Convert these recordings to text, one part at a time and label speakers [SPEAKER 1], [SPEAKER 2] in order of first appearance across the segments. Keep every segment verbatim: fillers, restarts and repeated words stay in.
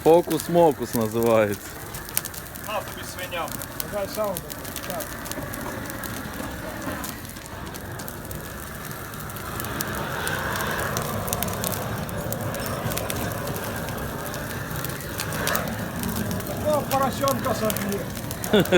[SPEAKER 1] Фокус-мокус називається.
[SPEAKER 2] На тобі свиня.
[SPEAKER 3] Давай сауну. Так. Такого поросенка сожгли.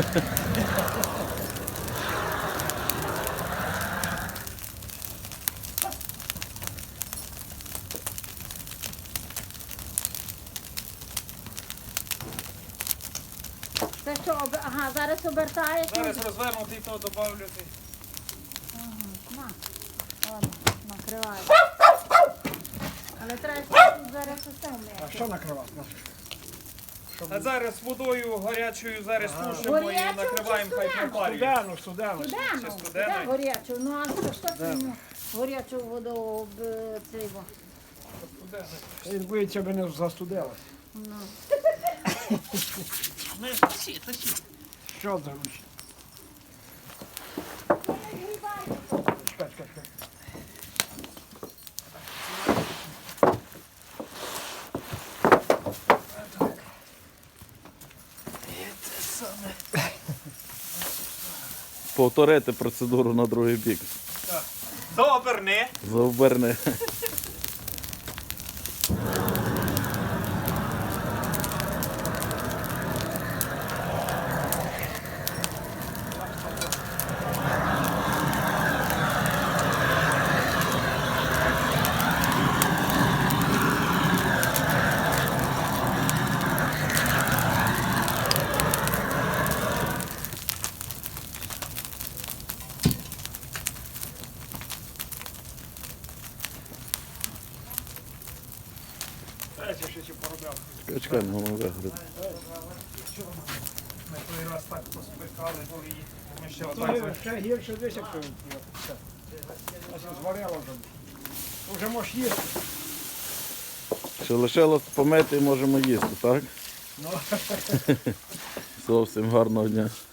[SPEAKER 4] Це що, об- ага, зараз обертаєш?
[SPEAKER 2] Зараз розвернути і то добавлювати.
[SPEAKER 4] Ага, на. Ладно, накриваю. Але треба ще зараз усе
[SPEAKER 3] А
[SPEAKER 4] вміти.
[SPEAKER 3] що накривати?
[SPEAKER 2] А зараз водою гарячою зараз тушимо і
[SPEAKER 4] Горячою
[SPEAKER 2] накриваємо,
[SPEAKER 4] чи
[SPEAKER 2] хай
[SPEAKER 4] студеною?
[SPEAKER 2] пропарює.
[SPEAKER 3] Студену, студену.
[SPEAKER 4] Студену,
[SPEAKER 2] Ще
[SPEAKER 4] студену
[SPEAKER 2] студеною?
[SPEAKER 4] горячу. Ну, а що, що ти йому горячу воду об е, цей во?
[SPEAKER 3] Він боїться, аби не застудилось.
[SPEAKER 4] Ну.
[SPEAKER 2] Ну, тащи, тащи.
[SPEAKER 3] Що зробиш? Чекай, чекай, чекай.
[SPEAKER 1] Повторити процедуру на другий бік.
[SPEAKER 2] Дооберни.
[SPEAKER 1] Заоберни.
[SPEAKER 3] Дайте ще ці поробляв.
[SPEAKER 1] Чекай, чекай, не воно вигорить.
[SPEAKER 2] Ми той раз так поспекали, бо її. Ми ще
[SPEAKER 3] То
[SPEAKER 2] отак.
[SPEAKER 3] ще гірше десь, як зварило вже. Вже можеш їсти.
[SPEAKER 1] Ще лишилось помити і можемо їсти, так?
[SPEAKER 3] Ну.
[SPEAKER 1] Зовсім гарного дня.